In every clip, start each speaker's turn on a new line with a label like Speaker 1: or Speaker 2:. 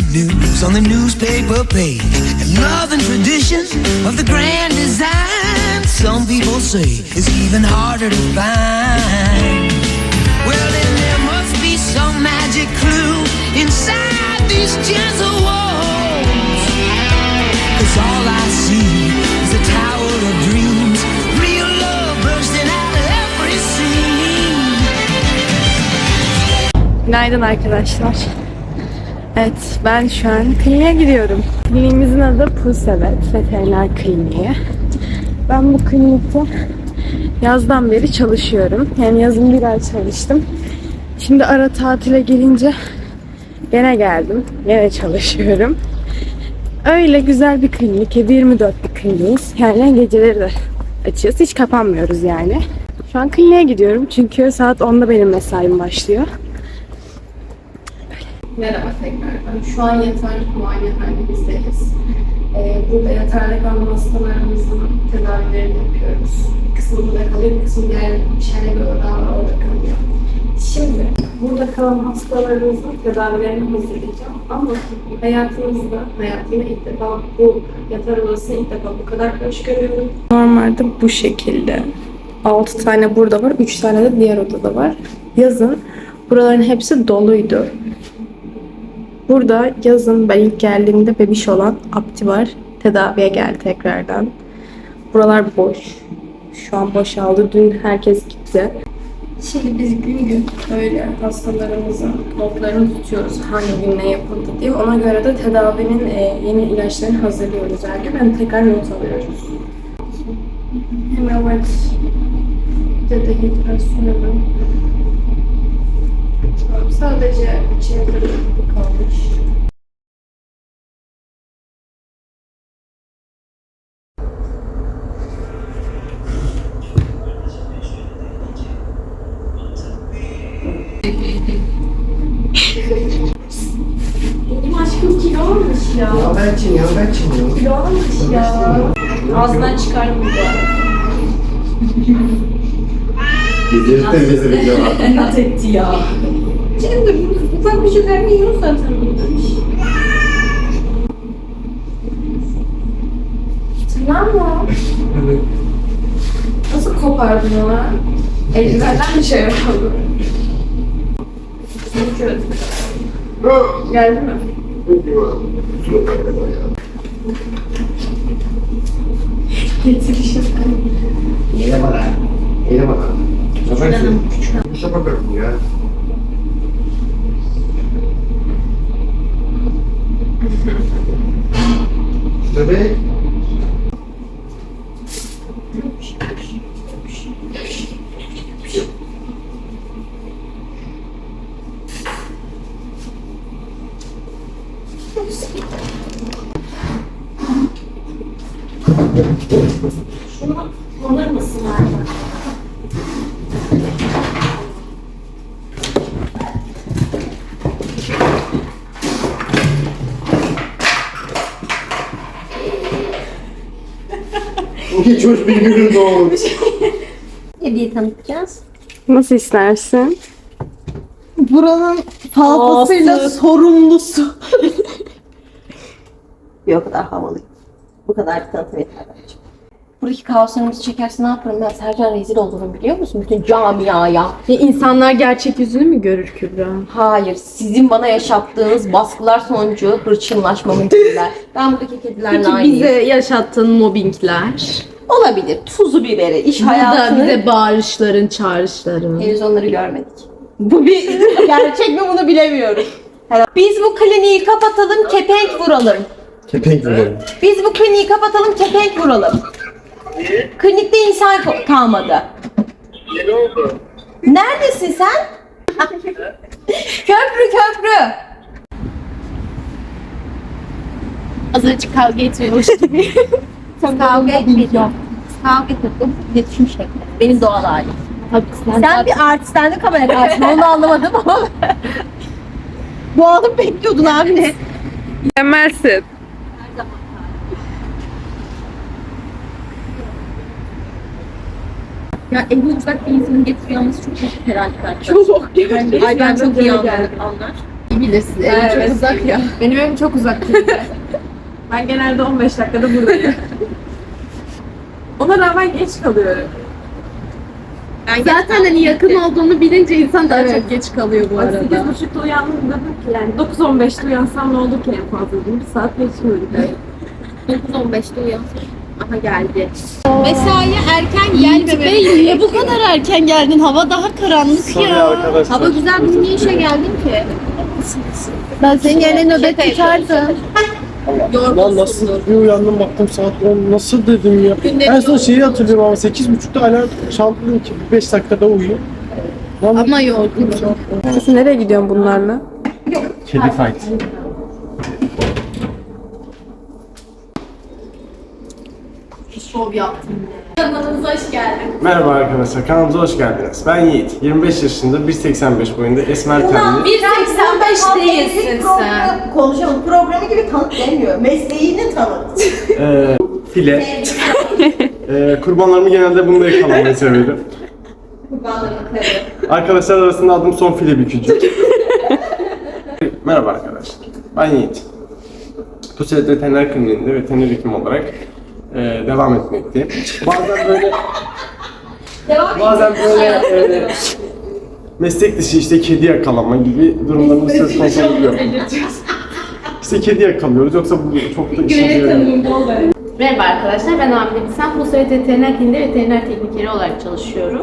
Speaker 1: news on the newspaper page, and love and tradition of the grand design, some people say is even harder to find. Well, then there must be some magic clue inside these gentle walls, 'cause all I see is a tower of dreams, real love bursting out of every scene.
Speaker 2: Günaydın arkadaşlar. Evet, ben şu an kliniğe gidiyorum. Kliniğimizin adı Pulsevet Veteriner Kliniği. Ben bu klinikte yazdan beri çalışıyorum. Yani yazın bir ay çalıştım. Şimdi ara tatile gelince gene geldim. Gene çalışıyorum. Öyle güzel bir klinik. 7/24 bir kliniğiz. Yani geceleri de açıyoruz. Hiç kapanmıyoruz yani. Şu an kliniğe gidiyorum çünkü saat 10'da benim mesaim başlıyor. Merhaba tekrardan. Şu an yatarlık muayenehanemizdeyiz. Burada yatarlık kalan hastalarımızın tedavilerini yapıyoruz. Bir kısmı burada kalıyor, bir kısmı diğer şehre göre daha orada kalıyor. Şimdi burada kalan hastalarımızın tedavilerini hazırlayacağım. Ama hayatımda ilk defa bu yatar odasını ilk defa bu kadar hoş görüyorum. Normalde bu şekilde. 6 tane burada var, 3 tane de diğer odada var. Yazın buraların hepsi doluydu. Burada yazın ben ilk geldiğimde bebiş olan Abdi var. Tedaviye geldi tekrardan. Buralar boş. Şu an boşaldı. Dün herkes gitti. Şimdi biz gün gün böyle hastalarımızın notlarını tutuyoruz. Hangi gün ne yapıldı diye. Ona göre de tedavinin yeni ilaçlarını hazırlıyoruz her gün. Ben tekrar not alıyoruz. Hemen dehidrasyonu. Sadece içeride bir kalmış. Benim aşkım kilo almış ya.
Speaker 3: Ya ben çiniyorum.
Speaker 2: Kilo almış ya. Ağzından çıkardım bu da.
Speaker 3: Gezirten vezir cevap.
Speaker 2: İnat etti ya. Şimdi ufak bir şeyler yiyor zaten demiş. Tamam mı? Nasıl kopardın ona? Eldivenden mi şey yapalım? Geldi mi? Getirişim.
Speaker 3: Eyle bana. Eyle bana. Yaparsın. Bir şey bakarım ya. Tabii.
Speaker 2: Şunu alır mısın abi?
Speaker 3: Hiç hoş bir günün doğmuş.
Speaker 4: Hediye tanıtacağız.
Speaker 2: Nasıl istersin?
Speaker 4: Buranın fazlasıyla sorumlusu. Bir o kadar havalıyım. Bu kadar bir tanıtım yeter bence. Buradaki kaoslarımızı çekerse ne yaparım ben? Sercan rezil olurum biliyor musun? Bütün camiaya.
Speaker 2: Ya insanlar gerçek yüzünü mü görür Kübra?
Speaker 4: Hayır, sizin bana yaşattığınız baskılar sonucu hırçınlaşmamı kediler. Ben buradaki kedilerle
Speaker 2: Peki
Speaker 4: aynıyım.
Speaker 2: bize yaşattığın mobbingler?
Speaker 4: Olabilir. Tuzu biberi, iş
Speaker 2: Burada
Speaker 4: hayatını.
Speaker 2: bize bağırışların, çağrışların.
Speaker 4: Henüz onları görmedik. Bu bir gerçek mi bunu bilemiyorum. Biz bu kliniği kapatalım, kepenk vuralım.
Speaker 3: Kepenk vuralım.
Speaker 4: Biz bu kliniği kapatalım, kepenk vuralım.
Speaker 5: Niye?
Speaker 4: Klinikte insan kalmadı.
Speaker 5: Ne oldu?
Speaker 4: Neredesin sen? Köprü.
Speaker 2: Azıcık kavga etmiyormuş gibi.
Speaker 4: Kavga etmedim. Kavga etmedim. İletişim şekli. Benim doğal halim.
Speaker 2: Tabii
Speaker 4: Sen bir artisten de kamera karşısında onu anlamadım ama. Bu adamı bekliyordun abi ne?
Speaker 2: Mükemmelsin.
Speaker 4: Ya evli uzak bir insanın getiriyor olması çok basit herhalde.
Speaker 2: Çok.
Speaker 4: Ay ben çok iyi anlar. bilirsin. Evim çok uzak ya.
Speaker 2: Benim evim çok uzak klinikten. Ben genelde 15 dakikada buradayım. Ona rağmen geç kalıyorum.
Speaker 4: Zaten hani yakın olduğunu bilince insan daha çok geç kalıyor bu arada.
Speaker 2: 8.30'da uyandım dedim ki yani 9.15'te uyansam ne olur ki en fazla dedim. Bir saat geçmiyorum.
Speaker 4: 9-15'te uyan. Aha geldi. Mesaiye erken gelmemeli. Niye bu kadar erken geldin? Hava daha karanlık ya. Hava güzel, bugün niye işe geldin ki? Ben senin yerine nöbet tutardım.
Speaker 6: Lan nasıl bir uyandım baktım saat 10 nasıl dedim ya. En son şeyi hatırlıyorum ama 8.30'da alarm çaldı dedim ki 5 dakikada uyu. Lan
Speaker 4: Ama yorgun.
Speaker 2: Siz nereye gidiyorsun bunlarla?
Speaker 6: kedi fight.
Speaker 4: Şov yaptım. Kanalımıza hoş geldin.
Speaker 6: Merhaba arkadaşlar, kanalımıza hoş geldiniz. Ben Yiğit, 25 yaşında, 1.85 boyunda, esmer tenli.
Speaker 4: 1.85 değilsin sen.
Speaker 7: Konuşalım programı gibi tanıt demiyor. Mesleğini tanıt.
Speaker 6: File. Kurbanlarımı genelde bununla yakalamayı severim. Arkadaşlar arasında adım son file bükücü. Merhaba arkadaşlar, ben Yiğit. Puselet Veteriner Kliniğinde veteriner hekim olarak devam etmekteyim. Bazen böyle meslek dışı işte kedi yakalama gibi durumlarımız söz konusu oluyor. İşte kedi yakalıyoruz, yoksa bu çok da işimize yarıyor.
Speaker 4: Merhaba arkadaşlar, ben Amine Bilsen. Pusulet Veteriner Kliniğinde veteriner teknikeri olarak çalışıyorum.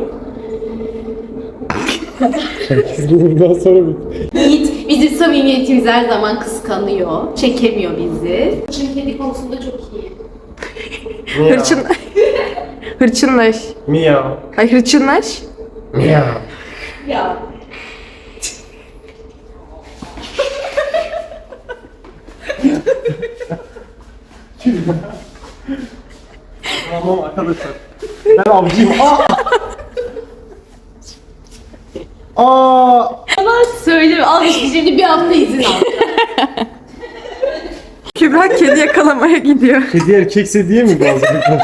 Speaker 6: Bundan sonra
Speaker 4: Yiğit bizim samimiyetimiz her zaman kıskanıyor. Çekemiyor bizi. Çünkü kedi konusunda çok iyi.
Speaker 2: Hırçın... Hırçınlaş.
Speaker 6: Miyav.
Speaker 2: Ay hırçınlaş.
Speaker 6: Miyav.
Speaker 4: Ya.
Speaker 6: Tamam arkadaşlar. Ben avcıyım. Aa!
Speaker 4: Söyle, al işte şimdi bir hafta izin al.
Speaker 2: Kübra kedi yakalamaya gidiyor.
Speaker 6: Kedi erkekse diye mi bazı bir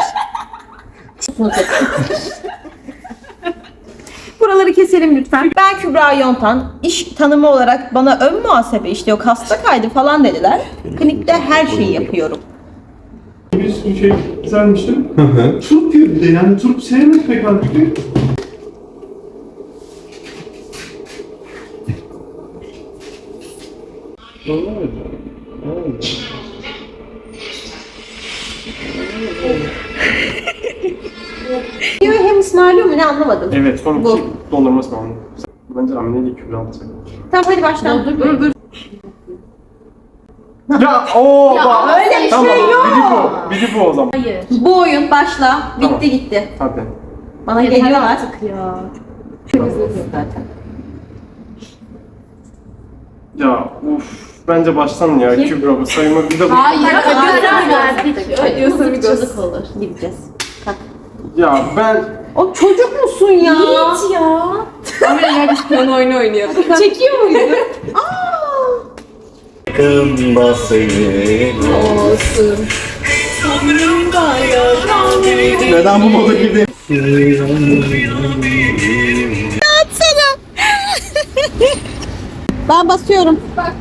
Speaker 7: Buraları keselim lütfen. Ben Kübra Yontan. İş tanımı olarak bana ön muhasebe işte yok hasta kaydı falan dediler. Klinikte her şeyi yapıyorum.
Speaker 8: Bir şey güzelmiştim. Turp yönünde yani turp sevmek pek artık.
Speaker 7: Hem ısmarlıyor mu ne anlamadım.
Speaker 6: Evet, son iki dondurma ısmarladım. Bence Amine ile Kübra alacak.
Speaker 7: Tamam hadi baştan.
Speaker 4: Dur.
Speaker 6: Ya ooo bak!
Speaker 7: Öyle bir
Speaker 6: Tamam,
Speaker 7: şey yok.
Speaker 6: biri bu o zaman.
Speaker 4: Hayır.
Speaker 7: Bu oyun başla. Bitti
Speaker 6: Tamam.
Speaker 7: gitti.
Speaker 6: Hadi.
Speaker 7: Bana
Speaker 4: Yeter
Speaker 7: geliyorlar.
Speaker 4: artık ya.
Speaker 7: Zaten.
Speaker 6: Ya uf, bence baştan ya Kübra bu sayıma bir de bu.
Speaker 4: Hayır, karar verdik.
Speaker 2: Adios amigos.
Speaker 4: Çocuk olur.
Speaker 7: Gideceğiz.
Speaker 6: Ya ben
Speaker 7: O çocuk musun ya?
Speaker 4: Yiğit ya.
Speaker 2: Ama ya biz plan oyunu oynuyorduk.
Speaker 4: Çekiyor muydu?
Speaker 8: Yakında senin
Speaker 4: Olsun.
Speaker 8: Neden bu moda girdi?
Speaker 7: Ben basıyorum.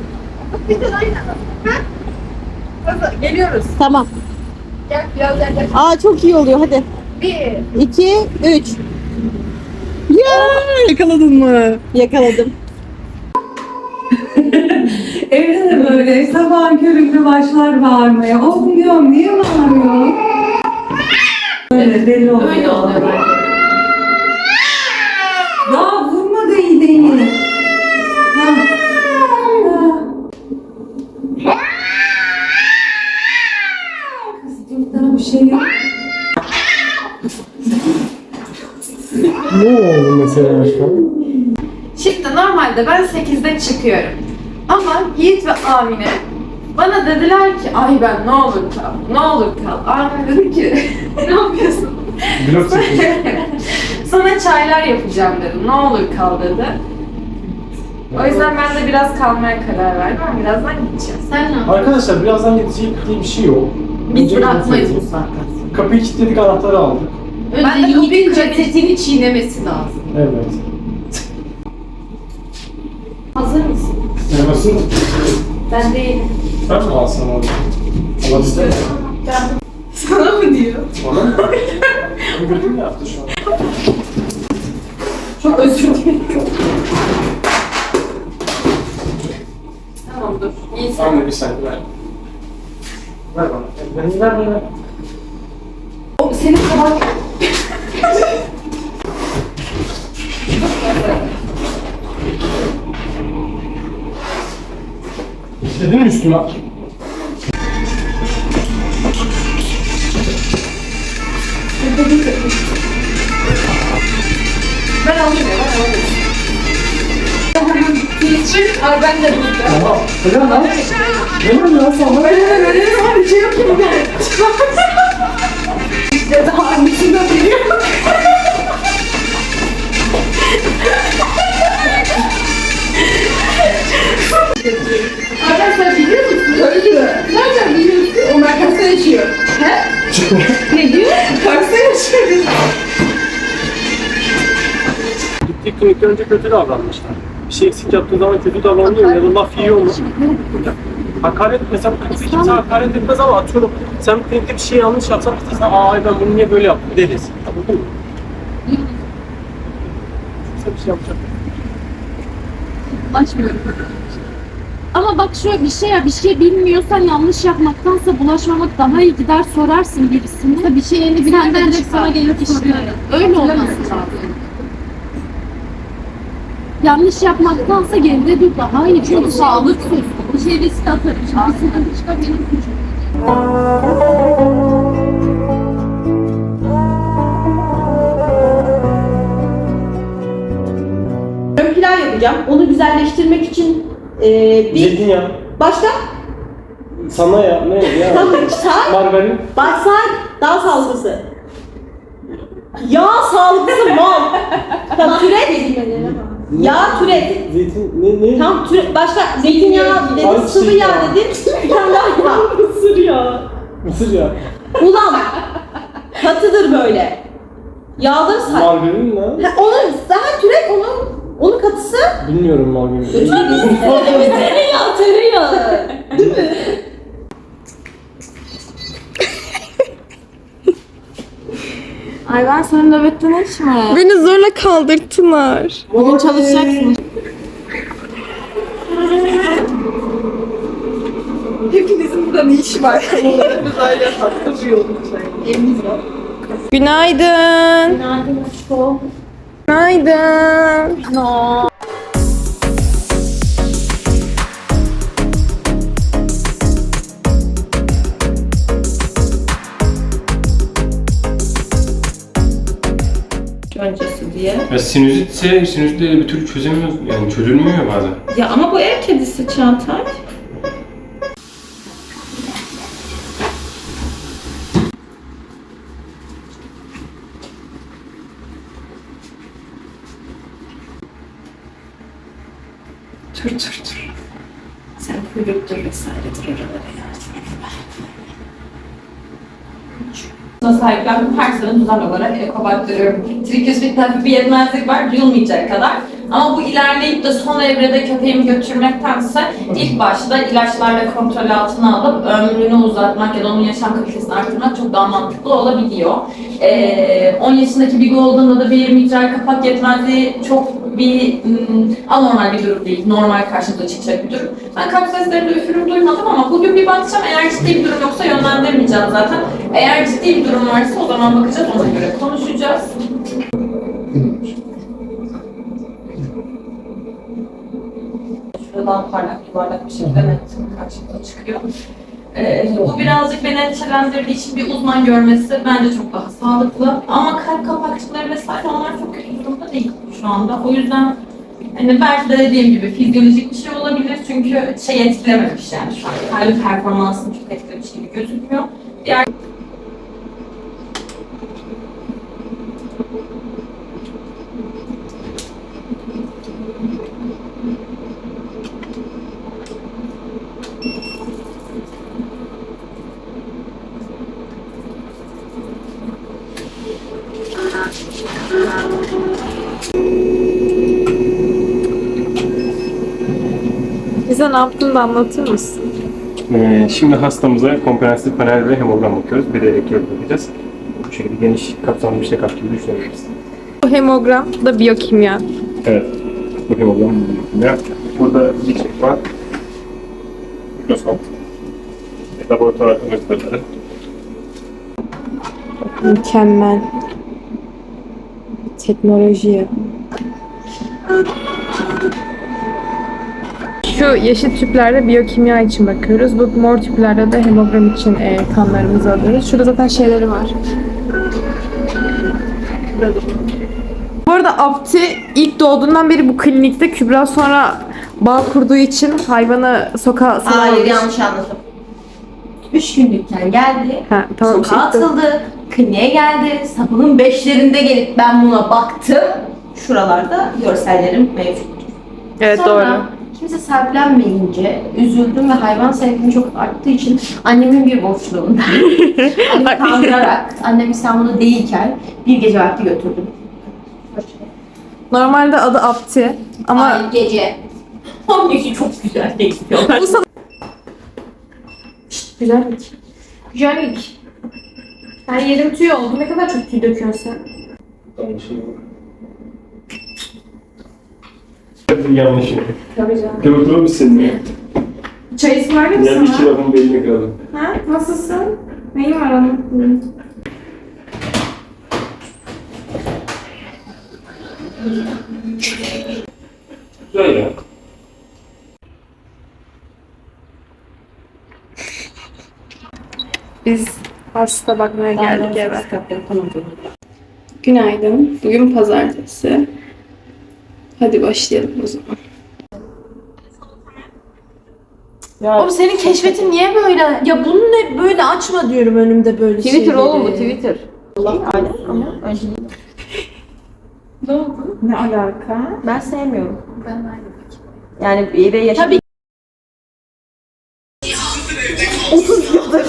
Speaker 2: Geliyoruz.
Speaker 7: Tamam.
Speaker 2: Gel biraz gel.
Speaker 7: Aa çok iyi oluyor hadi.
Speaker 2: 1.
Speaker 7: 2, 3.
Speaker 2: Yakaladın mı?
Speaker 7: Yakaladım.
Speaker 9: Evde de böyle sabah köründe başlar bağırmaya. Oğlum diyorum niye bağırıyor? Öyle deli oluyor.
Speaker 4: Öyle oluyor.
Speaker 9: Ya vurma da iyi değil. Ha. Kız çocuklara bir şey yok.
Speaker 6: ne oldu mesela şu an?
Speaker 2: Şimdi normalde ben 8'de çıkıyorum. Ama Yiğit ve Amine bana dediler ki ay ben ne olur kal, ne olur kal. Amine dedi ki ne yapıyorsun?
Speaker 6: Blok çekiyor.
Speaker 2: Sana çaylar yapacağım dedim. Ne olur kal dedi. O yüzden ben de biraz kalmaya karar verdim ama birazdan gideceğim.
Speaker 4: Sen ne yapıyorsun?
Speaker 6: Arkadaşlar birazdan gidecek diye bir şey yok.
Speaker 4: Biz
Speaker 6: Önce
Speaker 4: bırakmayız bu
Speaker 6: gidecek.
Speaker 4: saatten.
Speaker 6: Kapıyı kilitledik, anahtarı aldık.
Speaker 4: Önce
Speaker 2: Ben de kapıyı
Speaker 4: Yiğit'in
Speaker 2: kıracağım.
Speaker 4: cesetini çiğnemesi lazım.
Speaker 6: Evet.
Speaker 4: Hazır mısın?
Speaker 6: Acımasın mı?
Speaker 2: Ben değilim.
Speaker 6: Ben mi alsam onu? Allah ister mi?
Speaker 2: Sana mı diyor?
Speaker 6: Bana mı? Gördün mü yaptı şu an?
Speaker 2: Çok özür dilerim. Tamam dur. İyi sen.
Speaker 6: Anne bir saniye ver. Ver bana. Ver.
Speaker 2: Senin kabak.
Speaker 6: İstedin mi üstüme?
Speaker 2: Ben alayım ya, ben alayım. Çık, ay ben de burada.
Speaker 6: Tamam. Neden lan? Neden lan sana?
Speaker 2: Ben hemen öyle var, bir şey yapayım ben. İşte daha annesini de biliyor. Arkadaşlar biliyor musun? Öyle diyor. Nereden biliyorsun? Onlar Kars'ta yaşıyor. He? Ne diyor? Kars'ta yaşıyor.
Speaker 6: Gittiği klinikte önce kötü davranmışlar. Bir şey eksik yaptığı zaman kötü davranıyor ya da laf yiyor mu? Hakaret mesela klinikte kimse hakaret etmez ama atıyorum sen klinikte bir şey yanlış yapsan biz de sana ay ben bunu niye böyle yaptım deriz. Anladın mı? Kimse bir şey yapacak.
Speaker 4: Bulaşmıyorum. Ama bak şöyle bir şey ya, bir şey bilmiyorsan yanlış yapmaktansa bulaşmamak daha iyi, gider sorarsın birisine. Bir şey yeni senden de sana gelip işte öyle olması lazım. Yanlış yapmaktansa geride dur daha iyi. Çünkü sağlık söz. Bir şey risk atarım. Şimdi sıkıntı çıkar benim suçum.
Speaker 7: Ön pilav yapacağım. Onu güzelleştirmek için bir...
Speaker 6: Zeytinyağı.
Speaker 7: Başka?
Speaker 6: Sana ya ne ya?
Speaker 7: Say.
Speaker 6: Margarin.
Speaker 7: Say. Daha sağlıklısı. Yağ sağlıklısı mal. Tamam türet. Yağ türet.
Speaker 6: Zeytin ne?
Speaker 7: Tam türet. Başka zeytinyağı dedim,
Speaker 6: Ay,
Speaker 7: sıvı
Speaker 6: şey
Speaker 7: yağ
Speaker 6: ya.
Speaker 7: dedim. Bir tane daha yağ. Mısır yağı.
Speaker 6: Mısır yağı.
Speaker 7: Ulan. Katıdır böyle. Yağları say.
Speaker 6: Margarin ne?
Speaker 7: Ha, onun daha türet onun katısı.
Speaker 6: Bilmiyorum margarin.
Speaker 7: Evet, tereyağı. Değil mi?
Speaker 2: Ay ben senin nöbette ne işim var?
Speaker 10: Beni zorla kaldırttılar.
Speaker 2: Bugün çalışacaksın.
Speaker 10: Hepinizin burada ne işi var? Biz aile tatlı bir yolculuk. Evimiz var. Günaydın.
Speaker 4: Günaydın aşkım.
Speaker 10: Günaydın.
Speaker 7: Öncesi diye.
Speaker 11: Ya sinüzitse sinüzitleri bir türlü çözemiyoruz. Yani çözülmüyor ya bazen.
Speaker 7: Ya ama bu ev kedisi Çağatay.
Speaker 10: Dur. Sen kuyruktur vesairedir oralara yardım.
Speaker 12: Sahiplendim. Her sene düzenli olarak eko baktırıyorum. Trikosfit hafif bir yetmezlik var, duyulmayacak kadar. Ama bu ilerleyip de son evrede köpeğimi götürmektense ilk başta ilaçlarla kontrol altına alıp ömrünü uzatmak ya da onun yaşam kalitesini arttırmak çok daha mantıklı olabiliyor. 10 yaşındaki bir Golden'da da bir mitral kapak yetmezliği çok bir anormal bir durum değil. Normal karşımıza çıkacak bir durum. Ben kalp seslerinde üfürüm duymadım ama bugün bir bakacağım. Eğer ciddi bir durum yoksa yönlendirmeyeceğim zaten. Eğer ciddi bir durum varsa o zaman bakacağız, ona göre konuşacağız. Şuradan parlak yuvarlak bir şekilde net karşımıza çıkıyor. Bu birazcık beni endişelendirdiği için bir uzman görmesi bence çok daha sağlıklı. Ama kalp kapakçıkları vesaire onlar çok kötü durumda değil şu anda. O yüzden hani belki de dediğim gibi fizyolojik bir şey olabilir çünkü etkilememiş yani şu an. Kalp performansını çok etkilemiş gibi gözükmüyor. Diğer
Speaker 2: Bize ne yaptığını da anlatır mısın?
Speaker 11: Şimdi hastamıza komprehensif panel ve hemogram bakıyoruz. Bir de elektrot bakacağız. Bu şekilde geniş kapsamlı bir check-up gibi düşünebiliriz.
Speaker 2: Bu hemogram da biyokimya.
Speaker 11: Evet. Bu hemogram biyokimya. Burada bir çek var. Mikroskop. Laboratuvar ürünleri.
Speaker 2: Mükemmel. Teknoloji. Şu yeşil tüplerde biyokimya için bakıyoruz. Bu mor tüplerde de hemogram için kanlarımızı alıyoruz. Şurada zaten şeyleri var. Bu arada Abdi ilk doğduğundan beri bu klinikte. Kübra sonra bağ kurduğu için hayvanı sokağa salamamış.
Speaker 7: Hayır, yanlış anladım. 3 günlükken geldi,
Speaker 2: Ha, tamam,
Speaker 7: sokağa
Speaker 2: işte.
Speaker 7: atıldı, kliniğe geldi, sabahın 5'lerinde gelip ben buna baktım. Şuralarda görsellerim mevcut.
Speaker 2: Evet,
Speaker 7: Sonra
Speaker 2: doğru.
Speaker 7: kimse sahiplenmeyince üzüldüm ve hayvan sevgim çok arttığı için annemin bir boşluğunda annemi kandırarak annem İstanbul'da değilken bir gece vakti götürdüm.
Speaker 2: Normalde adı Abdi ama
Speaker 7: Ay gece. Annesi çok güzel değil.
Speaker 2: bu sana
Speaker 7: Güzellik. Güzellik. Her yerim tüy oldu. Ne kadar çok tüy döküyorsun sen.
Speaker 11: Yanlışım.
Speaker 7: Tabii canım.
Speaker 11: Gördün mü seni?
Speaker 2: çay ısmarlayayım mı
Speaker 11: Yani iki
Speaker 2: sana?
Speaker 11: lafın belini kıralım.
Speaker 2: Ha? Nasılsın? Neyin var onun?
Speaker 11: Güzel ya.
Speaker 2: Biz hasta bakmaya geldik eve. Günaydın. Bugün pazartesi. Hadi başlayalım o zaman.
Speaker 7: Oğlum senin keşfetin niye böyle? Ya bunu ne böyle açma diyorum önümde böyle
Speaker 2: Twitter oğlum bu, Twitter.
Speaker 7: Allah ama önce
Speaker 2: Ne oldu? Ne alaka?
Speaker 7: ben sevmiyorum. Ben aynı. Yani bir yaşam. Tabii. 30 yıldır.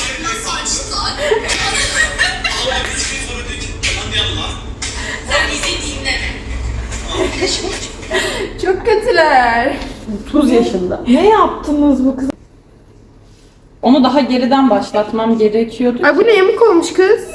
Speaker 2: Çok kötüler.
Speaker 7: 30 yaşında.
Speaker 2: Ne yaptınız bu kız?
Speaker 12: Onu daha geriden başlatmam gerekiyordu.
Speaker 2: Ay bu ne, yamuk olmuş kız?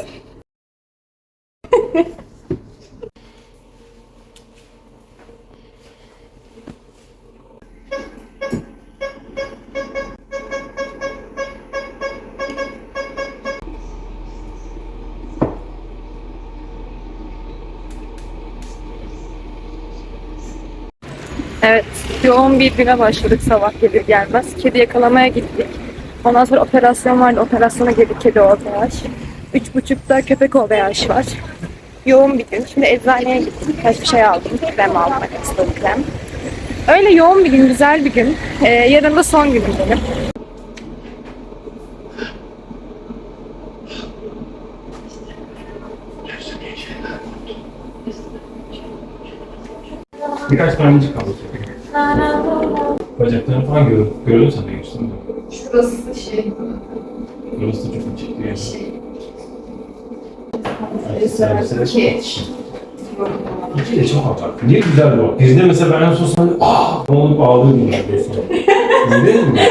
Speaker 2: Evet, yoğun bir güne başladık sabah gelir gelmez. Kedi yakalamaya gittik. Ondan sonra operasyon vardı, operasyona girdik, kedi OTH. 3.30'da köpek OTH var. Yoğun bir gün. Şimdi eczaneye gittim, birkaç bir şey aldım. Krem almak istedim, krem. Öyle yoğun bir gün, güzel bir gün. Yarın da son günüm benim.
Speaker 11: Birkaç tanecik kaldı. Bacaklarını falan gördün sen de geçtin mi?
Speaker 2: Şurası şey,
Speaker 11: Burası da çok açık bir yer. İki de çok abartı. Niye güzel bu? Bizde mesela ben en son sana ne olup ağlıyordum neredeyse. İzledin mi?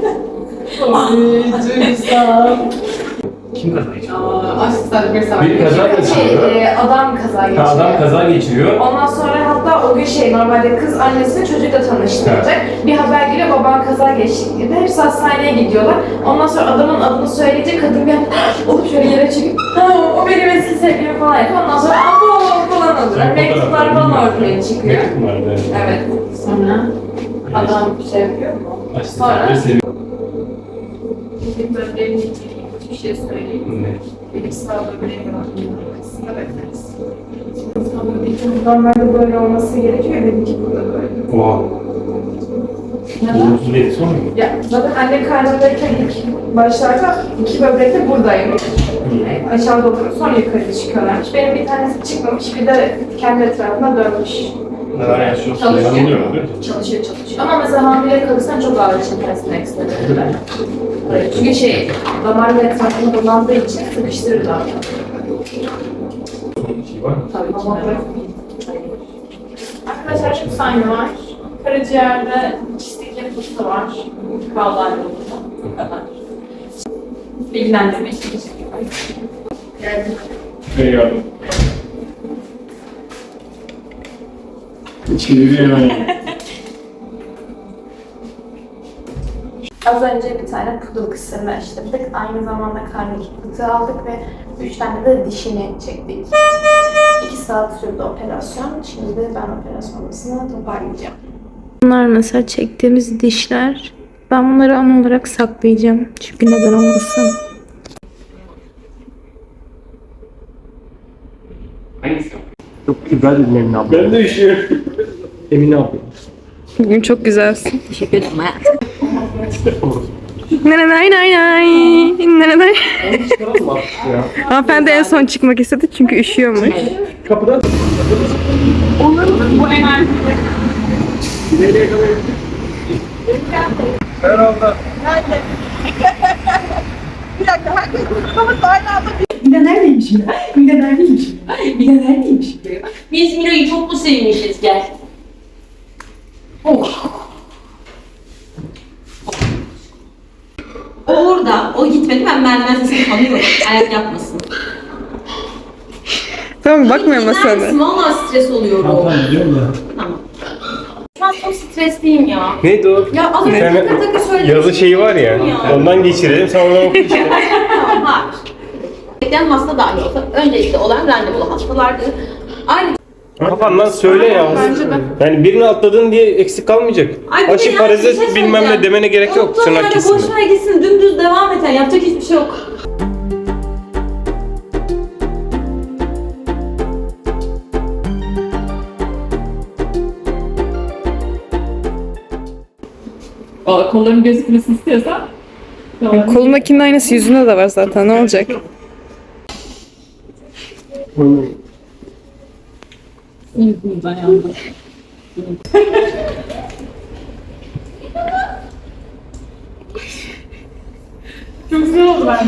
Speaker 11: Kim kaza geçiriyor? Bir kaza geçiriyor.
Speaker 2: adam kaza geçiriyor.
Speaker 11: Adam kaza geçiriyor.
Speaker 2: Ondan sonra hatta o gün normalde kız annesini çocukla tanıştıracak. Bir haber geliyor, baban kaza geçti gibi. Hepsi hastaneye gidiyorlar. Ondan sonra adamın adını söyleyince kadın bir olup şöyle yere çekip o benim eski sevgilim falan yapıyor. Ondan sonra abo falan oluyor. Mektuplar falan ortaya çıkıyor.
Speaker 11: Mektup vardı.
Speaker 2: Evet. Sonra adam şey yapıyor mu? Sonra bir böbreğin bir şey söyleyeyim. Benim sağ böbreğim var. Aslında bekleriz. Normalde böyle olması gerekiyor. Dedim ki burada böyle.
Speaker 11: Oha. Olumsuz bir etkisi olmuyor mu?
Speaker 2: Ya zaten anne karnındayken ilk başlarda iki böbrek de buradaymış. Aşağıda oluyor, sonra yukarı çıkıyorlarmış. Benim bir tanesi çıkmamış, bir de kendi etrafına dönmüş.
Speaker 11: Neler yaşıyorsun?
Speaker 2: Çalışıyor.
Speaker 11: Yanılıyor değil mi?
Speaker 2: Çalışıyor. Ama mesela hamile kalırsan çok ağır çekersin ekstra dediler. Çünkü damarın etrafında dolandığı için sıkıştırırlar.
Speaker 11: Şey var mı?
Speaker 2: Tabii ki. Arkadaşlar şu sayma var. Karaciğerde çistik
Speaker 12: fıtığı var. Krallar yolunda. Bu kadar. Bilgilendirme için teşekkürler.
Speaker 11: Eyvallah. İçeri hemen.
Speaker 2: Az önce bir tane pudul kısırını açtırdık. Aynı zamanda karnındaki fıtığı aldık ve 3 tane de dişini çektik. 2 saat sürdü operasyon. Şimdi de ben operasyon masasını toparlayacağım. Bunlar mesela çektiğimiz dişler. Ben bunları an olarak saklayacağım. Çünkü neden olmasın.
Speaker 11: Hangisi? Çok güzel dedim Emine abla. Ben de üşüyorum. Emine abla.
Speaker 2: Bugün çok güzelsin.
Speaker 7: Teşekkür ederim hayatım.
Speaker 2: Nanay nay nay. Nanay.
Speaker 11: Çıkaralım mı artık ya?
Speaker 2: Hanımefendi en son çıkmak istedi çünkü üşüyormuş.
Speaker 11: Kapıdan.
Speaker 12: Bu enerji.
Speaker 11: Nereye kadar gittik? Herhalde.
Speaker 9: Mine neredeymiş ya? Mine neredeymiş ya? Mine neredeymiş ya?
Speaker 7: Biz Miro'yu çok mu sevmişiz gel. O orada, o gitmedi, ben merdiven sesini tanıyorum. Ayak yapmasın.
Speaker 2: Tamam bakmıyor mu
Speaker 7: Gider misin?
Speaker 2: sana?
Speaker 7: Valla stres oluyorum.
Speaker 11: Tamam biliyorum ya.
Speaker 7: Tamam. Şu an çok stresliyim ya.
Speaker 11: Neydi o?
Speaker 7: Ya az önce takır takır söyledim.
Speaker 11: Yazı şeyi var ya. Ondan geçirelim. Sen oradan oku işte.
Speaker 7: Tamam, hayır. Bekleyen hasta dahi olsa öncelikle olan randevulu hastalardı. Aynı
Speaker 11: Kafandan söyle ya. Yani birini atladın diye eksik kalmayacak.
Speaker 7: Ay, bir de
Speaker 11: Aşı
Speaker 7: yani
Speaker 11: parazit
Speaker 7: bir şey
Speaker 11: bilmem ne
Speaker 7: söyleyeceğim.
Speaker 11: demene gerek yok.
Speaker 7: Unutma
Speaker 11: Tırnak
Speaker 7: yani,
Speaker 11: kesin.
Speaker 7: boş ver gitsin, dümdüz devam et. Yani yapacak hiçbir şey yok.
Speaker 12: Valla kolların gözükmesini istiyorsan.
Speaker 2: Kolundakinin aynısı yüzünde de var zaten. Ne olacak?
Speaker 12: Yüzümüzden yandı. Çok güzel oldu ben.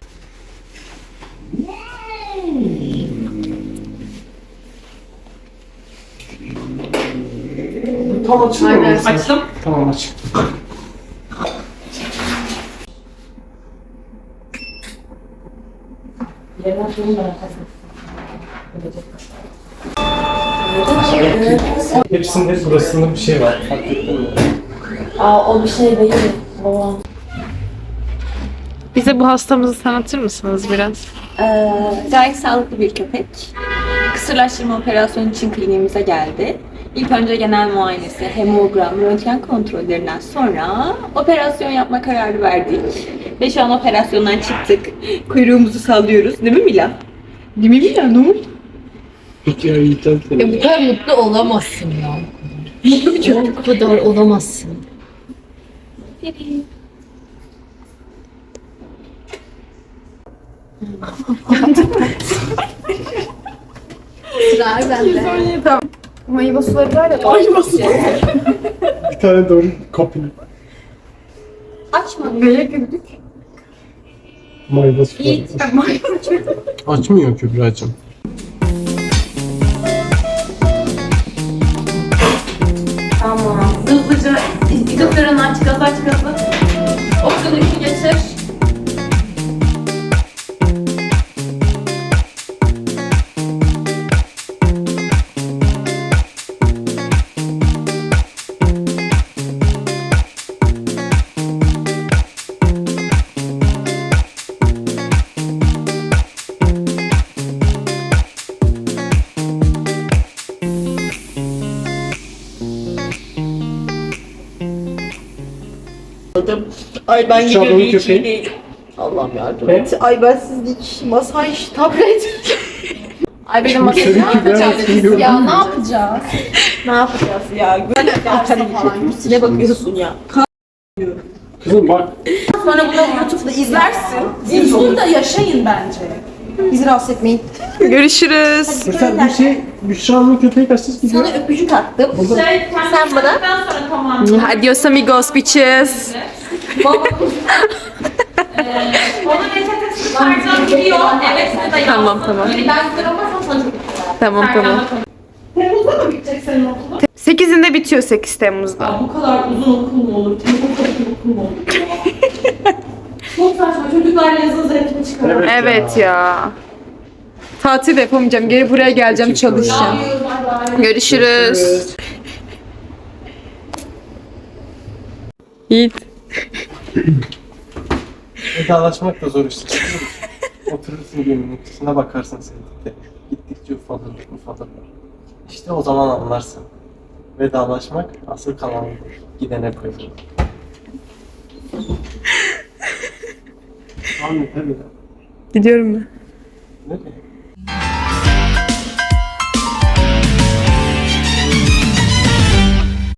Speaker 11: Tam açılıyor mu?
Speaker 12: Açtım.
Speaker 11: Tamam aç. Hepsinde burasında bir şey var. Fark ettin mi?
Speaker 7: O bir şey değil. Baba.
Speaker 2: Bize bu hastamızı tanıtır mısınız biraz?
Speaker 13: Gayet sağlıklı bir köpek. Kısırlaştırma operasyonu için kliniğimize geldi. İlk önce genel muayenesi, hemogram, röntgen kontrollerinden sonra operasyon yapma kararı verdik. Ve şu an operasyondan çıktık. Kuyruğumuzu sallıyoruz. Değil mi Mila? Değil mi Mila? Ne oldu?
Speaker 11: Ya yiyeceğim seni.
Speaker 7: Ya bu kadar mutlu olamazsın ya. Mutlu bir çocuk. Bu kadar olamazsın. Sıra bende.
Speaker 2: Tamam. Mayva suları var ya.
Speaker 11: Bir tane doğru kopya.
Speaker 13: Açma.
Speaker 2: Neye güldük?
Speaker 11: Mayvası var. Açmıyor Kübra'cığım.
Speaker 7: Tamam. Hızlıca indikatörünü aç, gaz aç, gazı. Opsiyon 2 geçir.
Speaker 10: Ay ben
Speaker 11: Şu an
Speaker 10: gidiyorum
Speaker 11: onun
Speaker 10: hiç
Speaker 11: köpeği.
Speaker 10: iyi değil. Allah'ım yardım
Speaker 11: Ne?
Speaker 10: et. Ay bensizlik, masaj, tablet.
Speaker 2: Ay benim masajı
Speaker 11: Seninki
Speaker 2: ne yapacağız
Speaker 11: ben
Speaker 2: biz
Speaker 11: seni
Speaker 2: ya?
Speaker 11: gördüm.
Speaker 2: Ne yapacağız?
Speaker 10: Ne yapacağız ya? Böyle dersen falan. Ne bakıyorsun ya?
Speaker 11: Kızım bak.
Speaker 10: Sonra bunu YouTube'da izlersin. Siz burada yaşayın bence. Bizi rahatsız etmeyin.
Speaker 2: Görüşürüz.
Speaker 11: Mesela bir şey Büşra'nın köpeği kaçsız gidiyor.
Speaker 10: Sana öpücük attım.
Speaker 12: Sen
Speaker 10: bana-
Speaker 12: sonra tamam.
Speaker 2: Adios amigos bitches.
Speaker 12: Onun reçetesi kardan gidiyor. Evet, ne de
Speaker 2: Tamam tamam.
Speaker 7: Ben sıramazsam sana çok
Speaker 2: Tamam tamam.
Speaker 10: Temmuz'da mı bitecek senin okulun?
Speaker 2: 8'inde bitiyor 8 Temmuz'da.
Speaker 12: Ya bu kadar uzun okul mu olur? Tempo çok okul mu olur ya? Çok saçma. Çocuklar yazın zevkini çıkarıyor.
Speaker 2: Evet ya. Tatil de yapamayacağım. Geri buraya geleceğim, çalışacağım. Görüşürüz. Yiğit.
Speaker 6: Vedalaşmak da zor işte. Oturursun geminin üstüne bakarsın sevdikte. Gittikçe ufalır. İşte o zaman anlarsın. Vedalaşmak asıl kalan gidene koyulur. Anne tabii.
Speaker 2: Gidiyorum ben.
Speaker 6: Ne?